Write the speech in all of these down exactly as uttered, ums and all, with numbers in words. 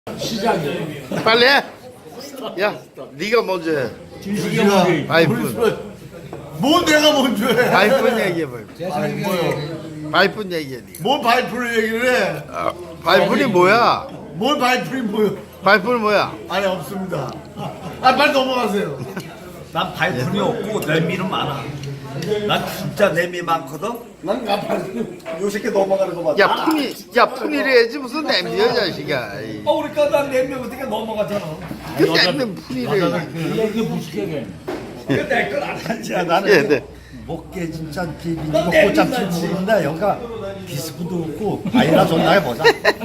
시작이에요. 빨리 해. 야, 네가 먼저 해. 진식이 먼저. 바이픈. 뭐 내가 먼저 해? 바이픈 얘기해봐. 아니 뭐요? 바이픈 얘기해. 네가. 뭘 바이프를 얘기를 해? 아, 바이픈이 뭐야? 뭘 바이프이 뭐요? 바이픈은 뭐야? 아니 없습니다. 아 빨리 넘어가세요. 난 발품이 없고 내미는 많아. 난 진짜 내미 많거든. 난 가발. 요 새끼 넘어가는 거 봐. 야, 푼이, 야, 푼이를 해야지 무슨 냄새야, 자식아. 이. 어, 그러니까 난 내미 어떻게 넘어가잖아. 그 냄새 푼이를. 이게 이게 무식하게. 근데 그걸 안 하지. 나는 예, 네. 먹게 진짜 비비고 꽃잡지 모르는데 여기가 비스쿠도 없고 아이라 존나 해보자.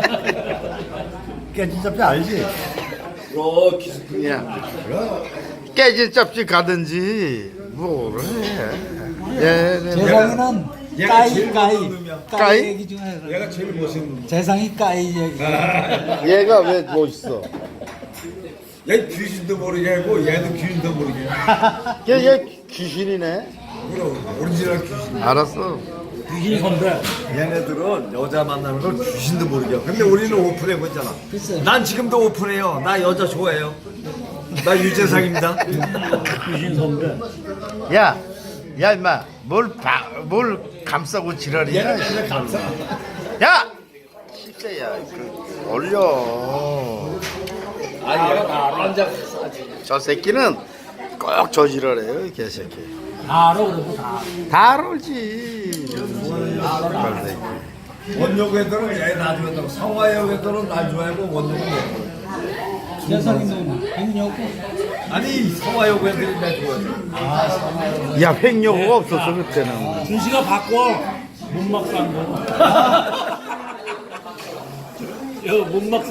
깨진 잡지 알지? 어, 기스쿠. 야, 깨진 짭지 가든지 뭐를 해. 예, 네, 네. 재상이는 얘가 까이 제일 까이 멋있는 놈이야. 까이? 까이 얘기 좀 해. 얘가 제일 멋있는. 재상이 까이 얘기. 얘가 왜 멋있어? 얘 귀신도 모르게 하고 얘도 귀신도 모르게 해. 얘, 얘 귀신이네. 그럼 오리지널 귀신. 알았어. 귀신 선배. 얘네들은 여자 만나는 걸 귀신도 모르게. 근데 우리는 오픈해 보잖아. 난 지금도 오픈해요. 나 여자 좋아해요. 나 유재상입니다. 귀신 선배. 야, 야, 임마, 뭘, 바, 뭘 감싸고 지랄이야? 얘는 감사. 야! 진짜야, 그, 올려. 아니 얘가 앉아. 저 새끼는 꼭 저 지랄해요, 이 개새끼. 다 알아 그래도 다. 다 알지. 정말 새끼. 원효 애들은 얘 나중에 또 성화역 애들은 날 좋아하고 원효는 얘. 재상이는 행여고. 아니 성화역 애들이 날 좋아해. 야, 횡령호가 없었어, 그때는. 준씨가 바꿔. 문막 산 거. 야, 문막